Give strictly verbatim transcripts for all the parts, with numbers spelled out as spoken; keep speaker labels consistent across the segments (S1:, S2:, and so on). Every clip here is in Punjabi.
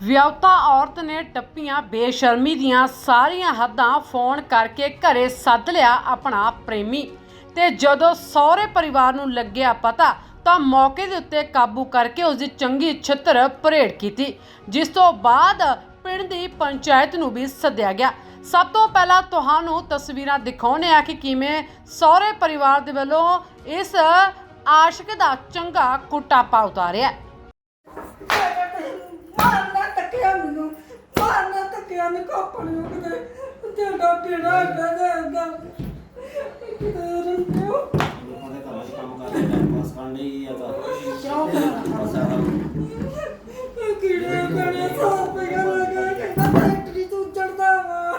S1: ਵਿਆਹੁਤਾ ਔਰਤ ਨੇ ਟੱਪੀਆਂ ਬੇਸ਼ਰਮੀ ਦੀਆਂ ਸਾਰੀਆਂ ਹੱਦਾਂ। ਫੋਨ ਕਰਕੇ ਘਰੇ ਸੱਦ ਲਿਆ ਆਪਣਾ ਪ੍ਰੇਮੀ ਤੇ ਜਦੋਂ ਸਹੁਰੇ ਪਰਿਵਾਰ ਨੂੰ ਲੱਗਿਆ ਪਤਾ ਤਾਂ ਮੌਕੇ ਦੇ ਉੱਤੇ ਕਾਬੂ ਕਰਕੇ ਉਸ ਦੀ ਚੰਗੀ ਛਿੱਤਰ ਪਰੇਡ ਕੀਤੀ, ਜਿਸ ਤੋਂ ਬਾਅਦ ਪਿੰਡ ਦੀ ਪੰਚਾਇਤ ਨੂੰ ਵੀ ਸੱਦਿਆ ਗਿਆ। ਸਭ ਤੋਂ ਪਹਿਲਾਂ ਤੁਹਾਨੂੰ ਤਸਵੀਰਾਂ ਦਿਖਾਉਂਦੇ ਆ ਕਿ ਕਿਵੇਂ ਸਹੁਰੇ ਪਰਿਵਾਰ ਦੇ ਵੱਲੋਂ ਇਸ ਆਸ਼ਿਕ ਦਾ ਚੰਗਾ ਕੁੱਟਾਪਾ ਉਤਾਰਿਆ।
S2: ਮਾਰਨਾ ਤੱਕਿਆ ਮੈਨੂੰ ਮਾਰਨਾ ਤੱਕਿਆ ਨੇ ਕਾਪਣ ਕਿਤੇ ਤੇਰਾ ਪੀੜਾ ਗਦਾ ਕਿਤੇ ਰੰਗੋ
S3: ਉਹਦੇ ਘਰ ਚ ਕੰਮ ਕਰਦੇ ਟਾਈਮ ਪਾਸ ਕਰਨ ਲਈ ਆ ਤਾਂ
S2: ਕਿਉਂ ਕਰਨਾ ਕਿਹੜੇ ਕਿਹੜੇ ਸਾਹ ਪਿਆ ਲਗਾ ਕਿ ਫੈਕਟਰੀ ਤੋਂ ਚੜਦਾ ਵਾ।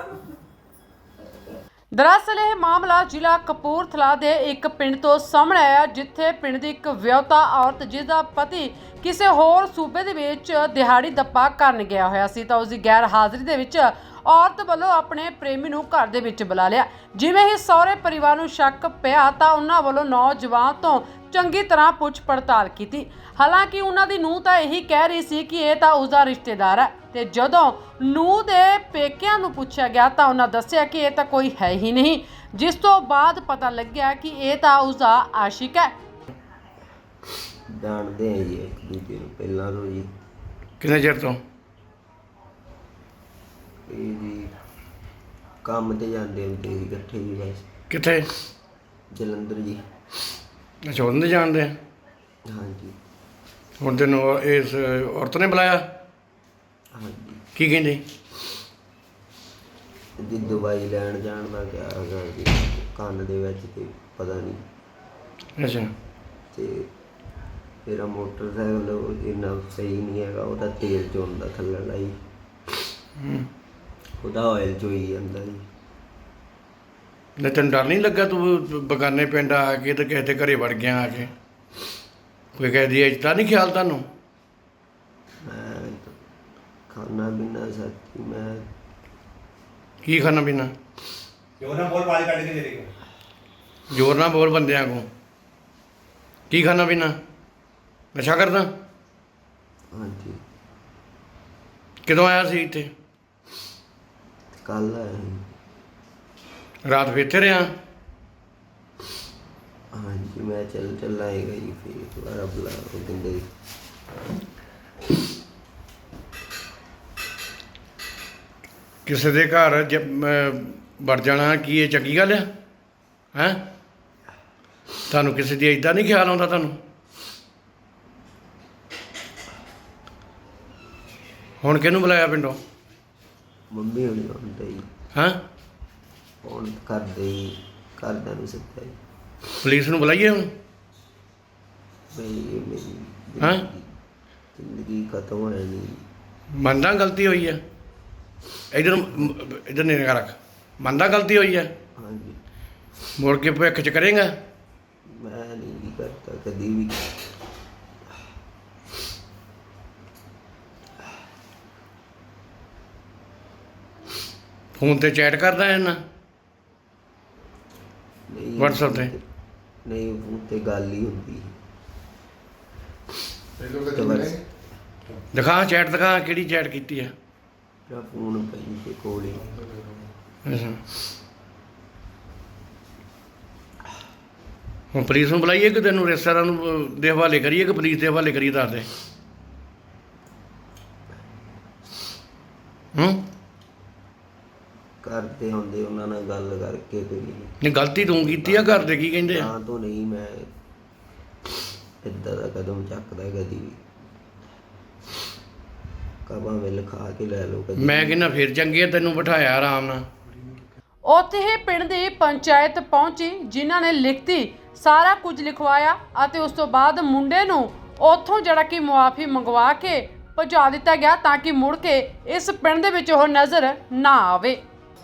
S1: ਦਰਅਸਲ ਇਹ ਮਾਮਲਾ ਜ਼ਿਲ੍ਹਾ ਕਪੂਰਥਲਾ ਦੇ ਇੱਕ ਪਿੰਡ ਤੋਂ ਸਾਹਮਣੇ ਆਇਆ, ਜਿੱਥੇ ਪਿੰਡ ਦੀ ਇੱਕ ਵਿਆਹੁਤਾ ਔਰਤ ਜਿਸ ਦਾ ਪਤੀ ਕਿਸੇ ਹੋਰ ਸੂਬੇ ਦੇ ਵਿੱਚ ਦਿਹਾੜੀ ਦੱਪਾ ਕਰਨ ਗਿਆ ਹੋਇਆ ਸੀ ਤਾਂ ਉਸ ਦੀ ਗੈਰ ਹਾਜ਼ਰੀ ਦੇ ਵਿੱਚ ਔਰਤ ਵੱਲੋਂ ਆਪਣੇ ਪ੍ਰੇਮੀ ਨੂੰ ਘਰ ਦੇ ਵਿੱਚ ਬੁਲਾ ਲਿਆ। ਜਿਵੇਂ ਹੀ ਸਹੁਰੇ ਪਰਿਵਾਰ ਨੂੰ ਸ਼ੱਕ ਪਿਆ ਤਾਂ ਉਹਨਾਂ ਵੱਲੋਂ ਨੌਜਵਾਨ ਤੋਂ ਚੰਗੀ ਤਰ੍ਹਾਂ ਪੁੱਛ ਪੜਤਾਲ ਕੀਤੀ। ਹਾਲਾਂਕਿ ਉਹਨਾਂ ਦੀ ਨੂੰਹ ਤਾਂ ਇਹੀ ਕਹਿ ਰਹੀ ਸੀ ਕਿ ਇਹ ਤਾਂ ਉਸਦਾ ਰਿਸ਼ਤੇਦਾਰ ਹੈ ਤੇ ਜਦੋਂ ਨੂੰਹ ਦੇ ਪੇਕਿਆਂ ਨੂੰ ਪੁੱਛਿਆ ਗਿਆ ਤਾਂ ਉਹਨਾਂ ਦੱਸਿਆ ਕਿ ਇਹ ਤਾਂ ਕੋਈ ਹੈ ਹੀ ਨਹੀਂ, ਜਿਸ ਤੋਂ ਬਾਅਦ ਪਤਾ ਲੱਗਿਆ ਕਿ ਇਹ ਤਾਂ ਉਸਦਾ ਆਸ਼ਿਕ ਹੈ।
S3: ਜਾਣਦੇ ਆ ਜੀ ਇੱਕ ਦੂਜੇ ਨੂੰ ਪਹਿਲਾਂ ਤੋਂ ਜੀ।
S4: ਕਿੰਨੇ ਚਿਰ ਤੋਂ?
S3: ਇਹ ਜੀ ਕੰਮ ਤੇ ਜਾਂਦੇ ਹੁੰਦੇ ਸੀ ਇਕੱਠੇ ਜੀ ਬਸ।
S4: ਕਿੱਥੇ?
S3: ਜਲੰਧਰ ਜੀ।
S4: ਅੱਛਾ, ਉਹਨਾਂ ਦੇ ਜਾਣਦੇ ਆ।
S3: ਹਾਂਜੀ
S4: ਹੁਣ ਤੈਨੂੰ ਇਸ ਔਰਤ ਨੇ ਬੁਲਾਇਆ?
S3: ਹਾਂਜੀ
S4: ਕੀ ਕਹਿੰਦੇ?
S3: ਜੀ ਦਵਾਈ ਲੈਣ ਜਾਣ ਦਾ ਕਿਹਾ ਹੈਗਾ ਜੀ, ਕੰਨ ਦੇ ਵਿੱਚ ਤੇ ਪਤਾ ਨਹੀਂ।
S4: ਅੱਛਾ,
S3: ਤੇ ਮੇਰਾ ਮੋਟਰਸਾਈਕਲ ਇੰਨਾ ਸਹੀ ਨਹੀਂ ਹੈਗਾ, ਉਹਦਾ ਤੇਲ ਚੋਣ ਦਾ ਥੱਲੇ ਲਾਈ ਉਹਦਾ ਆਇਲ ਚੋਈ ਜਾਂਦਾ ਜੀ।
S4: ਨਹੀਂ ਤੈਨੂੰ ਡਰ ਨਹੀਂ ਲੱਗਾ ਤੂੰ ਬਗਾਨੇ ਪਿੰਡ ਆ ਕੇ ਤੇ ਕਿਸੇ ਦੇ ਘਰੇ ਵੜ ਗਿਆ ਆ ਕੇ? ਕੋਈ ਕਹਿ ਦੀ ਇੱਜ਼ਤ ਨਹੀਂ ਖਿਆਲ ਤੁਹਾਨੂੰ?
S3: ਮੈਂ ਖਾਣਾ ਪੀਣਾ ਸੱਚੀ ਮੈਂ
S4: ਕੀ ਖਾਣਾ ਪੀਣਾ?
S5: ਜ਼ੋਰ ਨਾਲ ਬੋਲ, ਪਾਣੀ ਕੱਢ ਕੇ ਦੇ ਦੇਗਾ।
S4: ਜ਼ੋਰ ਨਾਲ ਬੋਲ ਬੰਦਿਆਂ ਕੋ। ਕੀ ਖਾਣਾ ਪੀਣਾ? ਨਸ਼ਾ ਕਰਦਾ?
S3: ਹਾਂਜੀ
S4: ਕਦੋਂ ਆਇਆ ਸੀ ਇੱਥੇ?
S3: ਕੱਲ ਆਇਆ ਸੀ।
S4: ਰਾਤ ਫਿਰ ਇੱਥੇ ਰਿਹਾ?
S3: ਹਾਂਜੀ ਮੈਂ ਚੱਲ ਚੱਲ ਆਏਗਾ ਜੀ, ਫਿਰ ਦੁਬਾਰਾ ਬੁਲਾ ਉਹ ਕਹਿੰਦੇ
S4: ਕਿਸੇ ਦੇ ਘਰ ਜ ਵੜ ਜਾਣਾ ਕੀ ਇਹ ਚੰਗੀ ਗੱਲ ਆ? ਹੈਂ, ਤੁਹਾਨੂੰ ਕਿਸੇ ਦੀ ਇੱਦਾਂ ਨਹੀਂ ਖਿਆਲ ਆਉਂਦਾ ਤੁਹਾਨੂੰ? ਹੁਣ ਕਿਹਨੂੰ ਬੁਲਾਇਆ ਪਿੰਡੋਂ?
S3: ਮੰਮੀ ਹੋਣੀ ਹੁੰਦੇ ਜੀ।
S4: ਹੈਂ,
S3: ਫੋਨ ਕਰਦੇ ਜੀ, ਘਰਦਿਆਂ ਨੂੰ ਸੱਦਿਆ ਜੀ।
S4: ਪੁਲਿਸ ਨੂੰ ਬੁਲਾਈਏ ਹੁਣ?
S3: ਬਈ ਇਹ ਮੇਰੀ
S4: ਹੈਂ?
S3: ਜ਼ਿੰਦਗੀ ਖਤਮ ਹੋ ਜਾਣੀ।
S4: ਮੰਨਦਾ ਗਲਤੀ ਹੋਈ ਹੈ? ਇੱਧਰ ਇੱਧਰ ਨਹੀਂ ਨਿਗਾਹ ਰੱਖ। ਮੰਨਦਾ ਗਲਤੀ ਹੋਈ ਹੈ?
S3: ਹਾਂਜੀ
S4: ਮੁੜ ਕੇ ਭਵਿੱਖ 'ਚ ਕਰੇਗਾ?
S3: ਮੈਂ ਨਹੀਂ ਵੀ ਕਰਤਾ ਕਦੀ ਵੀ।
S4: ਫੋਨ ਤੇ ਚੈਟ ਕਰਦਾ ਹੈ ਨਾ?
S3: ਨਹੀਂ
S4: WhatsApp ਤੇ?
S3: ਨਹੀਂ ਉਹ ਤੇ ਗੱਲ ਹੀ ਹੁੰਦੀ
S4: ਦਿਖਾ ਚੈਟ, ਦਿਖਾ ਕਿਹੜੀ ਚੈਟ ਕੀਤੀ ਹੈ।
S3: ਮੇਰਾ ਫੋਨ ਪਈ ਤੇ ਕੋਲ ਹੀ।
S4: ਅੱਛਾ, ਹੁਣ ਪੁਲਿਸ ਨੂੰ ਬੁਲਾਈਏ ਕਿ ਤੈਨੂੰ ਰਿਸ਼ਤੇਦਾਰਾਂ ਨੂੰ ਦੇ ਹਵਾਲੇ ਕਰੀਏ ਕਿ ਪੁਲਿਸ ਦੇ ਹਵਾਲੇ ਕਰੀਏ? ਦੱਸ ਦੇ। ਹੂੰ,
S3: ਕਰਦੇ ਹੁੰਦੇ ਉਹਨਾਂ ਨਾਲ ਗੱਲ ਕਰਕੇ ਤੇ
S4: ਨਹੀਂ ਗਲਤੀ ਤੂੰ ਕੀਤੀ ਆ? ਘਰ ਦੇ ਕੀ ਕਹਿੰਦੇ ਆ?
S3: ਤਾਂ ਤੋਂ ਨਹੀਂ ਮੈਂ ਇੱਦਾਂ ਦਾ ਕਦਮ ਚੱਕਦਾ ਕਦੀ ਵੀ। ਕਬਾਂ ਮਿਲ ਖਾ ਕੇ ਲੈ ਲਓ ਕਦੀ।
S4: ਮੈਂ ਕਹਿੰਦਾ ਫਿਰ ਚੰਗੀ ਆ, ਤੈਨੂੰ ਬਿਠਾਇਆ ਆਰਾਮ ਨਾਲ।
S1: ਉੱਥੇ ਹੀ ਪਿੰਡ ਦੀ ਪੰਚਾਇਤ ਪਹੁੰਚੀ, ਜਿਨ੍ਹਾਂ ਨੇ ਲਿਖਤੀ ਸਾਰਾ ਕੁਝ ਲਿਖਵਾਇਆ ਅਤੇ ਉਸ ਤੋਂ ਬਾਅਦ ਮੁੰਡੇ ਨੂੰ ਉੱਥੋਂ ਜਿਹੜਾ ਕਿ ਮੁਆਫੀ ਮੰਗਵਾ ਕੇ ਭਜਾ ਦਿੱਤਾ ਗਿਆ ਤਾਂ ਕਿ ਮੁੜ ਕੇ ਇਸ ਪਿੰਡ ਦੇ ਵਿੱਚ ਉਹ ਨਜ਼ਰ ਨਾ ਆਵੇ।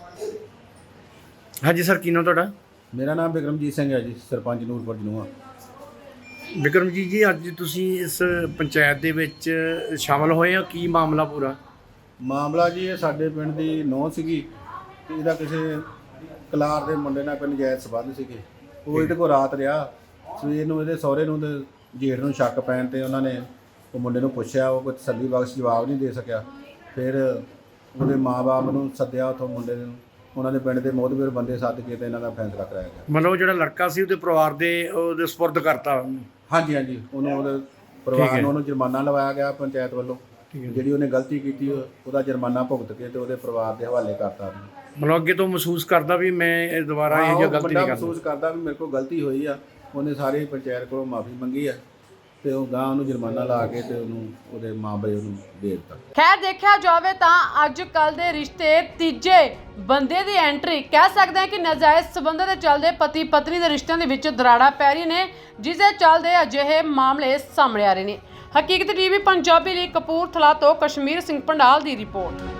S4: ਹਾਂਜੀ ਸਰ, ਕੀ ਨਾਮ ਤੁਹਾਡਾ?
S5: ਮੇਰਾ ਨਾਮ ਬਿਕਰਮਜੀਤ ਸਿੰਘ ਹੈ ਜੀ, ਸਰਪੰਚ ਨੂਰਪੁਰ ਜਨੂਆ।
S4: ਬਿਕਰਮਜੀਤ ਜੀ, ਅੱਜ ਤੁਸੀਂ ਇਸ ਪੰਚਾਇਤ ਦੇ ਵਿੱਚ ਸ਼ਾਮਲ ਹੋਏ ਹੋ, ਕੀ ਮਾਮਲਾ ਪੂਰਾ?
S5: ਮਾਮਲਾ ਜੀ ਇਹ ਸਾਡੇ ਪਿੰਡ ਦੀ ਨੌਂ ਸੀਗੀ ਤੇ ਇਹਦਾ ਕਿਸੇ ਕਲਾਰ ਦੇ ਮੁੰਡੇ ਨਾਲ ਕੋਈ ਨਜਾਇਜ਼ ਸੰਬੰਧ ਸੀਗੇ। ਉਹ ਇਹਦੇ ਕੋਲ ਰਾਤ ਰਿਹਾ। ਸਵੇਰ ਨੂੰ ਇਹਦੇ ਸਹੁਰੇ ਨੂੰ ਤੇ ਜੇਠ ਨੂੰ ਸ਼ੱਕ ਪੈਣ ਤੇ ਉਹਨਾਂ ਨੇ ਉਹ ਮੁੰਡੇ ਨੂੰ ਪੁੱਛਿਆ, ਉਹ ਕੋਈ ਤਸੱਲੀ ਬਖਸ਼ ਜਵਾਬ ਨਹੀਂ ਦੇ ਸਕਿਆ। ਫਿਰ ਉਹਦੇ ਮਾਪੇ ਨੂੰ ਸੱਦਿਆ ਉੱਥੋਂ ਮੁੰਡੇ ਨੂੰ, ਉਹਨਾਂ ਦੇ ਪਿੰਡ ਦੇ ਮੋਹਤਬਰ ਬੰਦੇ ਸੱਦ ਕੇ ਤੇ ਇਹਨਾਂ ਦਾ ਫੈਸਲਾ ਕਰਾਇਆ ਗਿਆ।
S4: ਮਤਲਬ ਜਿਹੜਾ ਲੜਕਾ ਸੀ ਉਹਦੇ ਪਰਿਵਾਰ ਦੇ ਉਹਦੇ ਸਪੁਰਦ ਕਰਤਾ ਉਹਨੂੰ।
S5: ਹਾਂਜੀ ਹਾਂਜੀ, ਉਹਨੂੰ ਉਹਦੇ ਪਰਿਵਾਰ ਨੂੰ ਉਹਨੂੰ ਜੁਰਮਾਨਾ ਲਵਾਇਆ ਗਿਆ ਪੰਚਾਇਤ ਵੱਲੋਂ। ਜਿਹੜੀ ਉਹਨੇ ਗਲਤੀ ਕੀਤੀ ਉਹਦਾ ਜੁਰਮਾਨਾ ਭੁਗਤ ਕੇ ਤੇ ਉਹਦੇ ਪਰਿਵਾਰ ਦੇ ਹਵਾਲੇ ਕਰਤਾ ਉਹਨੂੰ।
S4: ਮਤਲਬ ਅੱਗੇ ਤੋਂ ਮਹਿਸੂਸ ਕਰਦਾ ਵੀ ਮੈਂ ਇਹ ਦੁਬਾਰਾ ਇਹ ਜਿਹਾ ਗਲਤੀ ਨਹੀਂ ਕਰਦਾ।
S5: ਮਹਿਸੂਸ ਕਰਦਾ ਵੀ ਮੇਰੇ ਕੋਲ ਗਲਤੀ ਹੋਈ ਆ। ਉਹਨੇ ਸਾਰੇ ਪੰਚਾਇਤ ਕੋਲੋਂ ਮਾਫੀ ਮੰਗੀ ਆ ਤੇ ਉਹ ਗਾਂ ਉਹਨੂੰ ਜੁਰਮਾਨਾ ਲਾ ਕੇ ਤੇ ਉਹਨੂੰ ਉਹਦੇ ਮਾਪੇ ਉਹਨੂੰ ਦੇ ਦਿੱਤਾ।
S1: ਖੈਰ ਦੇਖਿਆ ਜਾਵੇ ਤਾਂ ਅੱਜ ਕੱਲ ਦੇ ਰਿਸ਼ਤੇ ਤੀਜੇ ਬੰਦੇ ਦੀ ਐਂਟਰੀ ਕਹਿ ਸਕਦੇ ਹਾਂ ਕਿ ਨਾਜਾਇਜ਼ ਸਬੰਧਾਂ ਦੇ ਚੱਲਦੇ ਪਤੀ ਪਤਨੀ ਦੇ ਰਿਸ਼ਤਿਆਂ ਦੇ ਵਿੱਚ ਦਰਾੜਾ ਪੈ ਰਹੀ ਨੇ, ਜਿਸ ਦੇ ਚੱਲਦੇ ਅਜਿਹੇ ਮਾਮਲੇ ਸਾਹਮਣੇ ਆ ਰਹੇ ਨੇ। ਹਕੀਕਤ ਟੀਵੀ ਪੰਜਾਬੀ ਲਈ ਕਪੂਰਥਲਾ ਤੋਂ ਕਸ਼ਮੀਰ ਸਿੰਘ ਪੰਡਾਲ ਦੀ ਰਿਪੋਰਟ।